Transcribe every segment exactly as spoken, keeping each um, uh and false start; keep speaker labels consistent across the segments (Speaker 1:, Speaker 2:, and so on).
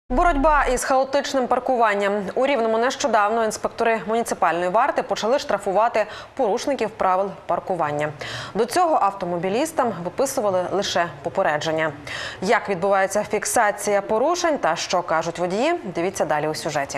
Speaker 1: Боротьба із хаотичним паркуванням. У Рівному нещодавно інспектори муніципальної варти почали штрафувати порушників правил паркування. До цього автомобілістам виписували лише попередження. Як відбувається фіксація порушень та що кажуть водії, дивіться далі у сюжеті.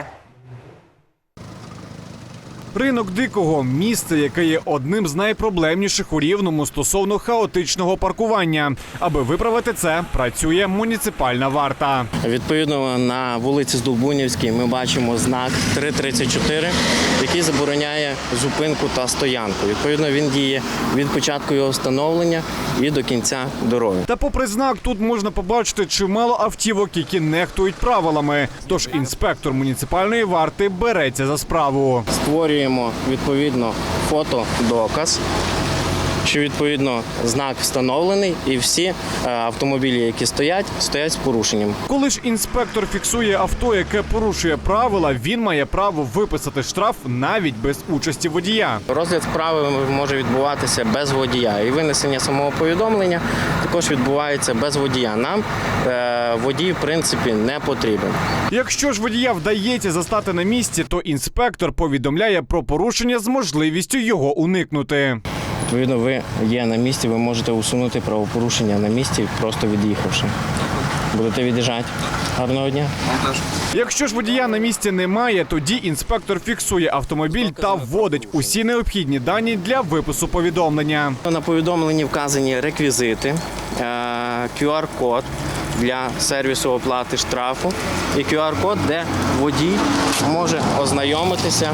Speaker 2: Ринок Дикого – місце, яке є одним з найпроблемніших у Рівному стосовно хаотичного паркування. Аби виправити це, працює муніципальна варта.
Speaker 3: Відповідно, на вулиці Здолбунівській ми бачимо знак три тридцять чотири, який забороняє зупинку та стоянку. Відповідно, він діє від початку його встановлення і до кінця дороги.
Speaker 2: Та попри знак, тут можна побачити чимало автівок, які нехтують правилами. Тож інспектор муніципальної варти береться за справу.
Speaker 3: Створюємо, відповідно, фотодоказ, що, відповідно, знак встановлений і всі автомобілі, які стоять, стоять з порушенням.
Speaker 2: Коли ж інспектор фіксує авто, яке порушує правила, він має право виписати штраф навіть без участі водія.
Speaker 3: Розгляд справи може відбуватися без водія. І винесення самого повідомлення також відбувається без водія. Нам е, водій, в принципі, не потрібен.
Speaker 2: Якщо ж водія вдається застати на місці, то інспектор повідомляє про порушення з можливістю його уникнути.
Speaker 3: Відповідно, ви є на місці, ви можете усунути правопорушення на місці, просто від'їхавши. Будете від'їжджати. Гарного дня.
Speaker 2: Якщо ж водія на місці немає, тоді інспектор фіксує автомобіль та вводить усі необхідні дані для випису повідомлення.
Speaker 3: На повідомленні вказані реквізити, кю ар-код для сервісу оплати штрафу і кю ар-код, де водій може ознайомитися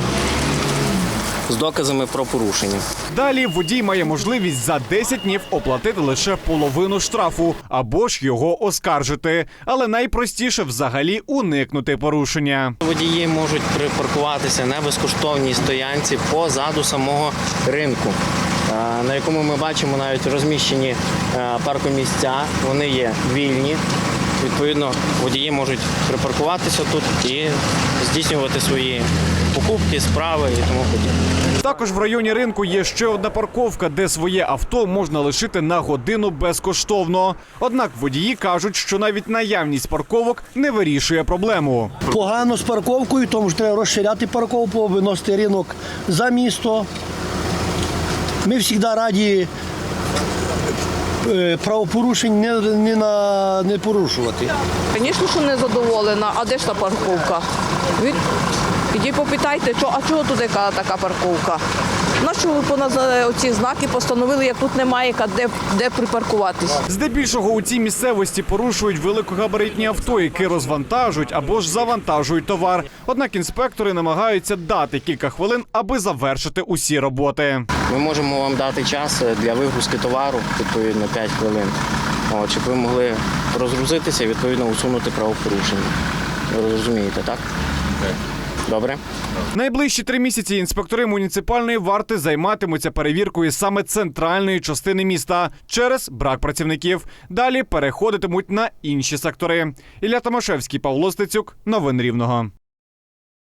Speaker 3: з доказами про порушення.
Speaker 2: Далі водій має можливість за десять днів оплатити лише половину штрафу або ж його оскаржити. Але найпростіше взагалі уникнути порушення.
Speaker 3: Водії можуть припаркуватися на безкоштовній стоянці позаду самого ринку, на якому ми бачимо навіть розміщені паркомісця. Вони є вільні. Відповідно, водії можуть припаркуватися тут і здійснювати свої покупки, справи і тому подібне.
Speaker 2: Також в районі ринку є ще одна парковка, де своє авто можна лишити на годину безкоштовно. Однак водії кажуть, що навіть наявність парковок не вирішує проблему.
Speaker 4: Погано з парковкою, тому що треба розширяти парковку, виносити ринок за місто. Ми завжди раді правопорушень не, не, на, не порушувати.
Speaker 5: Звісно, що не задоволена. А де ж та парковка? Ви ідіть попитайте, що, а чого тут яка така парковка? Нащо ви понад оці знаки постановили, як тут немає, де, де припаркуватись?
Speaker 2: Здебільшого у цій місцевості порушують великогабаритні авто, які розвантажують або ж завантажують товар. Однак інспектори намагаються дати кілька хвилин, аби завершити усі роботи.
Speaker 3: Ми можемо вам дати час для вигрузки товару, відповідно, п'ять хвилин. От, щоб ви могли розгрузитися і, відповідно, усунути правопорушення. Ви розумієте, так? Добре.
Speaker 2: Найближчі три місяці інспектори муніципальної варти займатимуться перевіркою саме центральної частини міста через брак працівників. Далі переходитимуть на інші сектори. Ілля Томашевський, Павло Стецюк. Новини Рівного.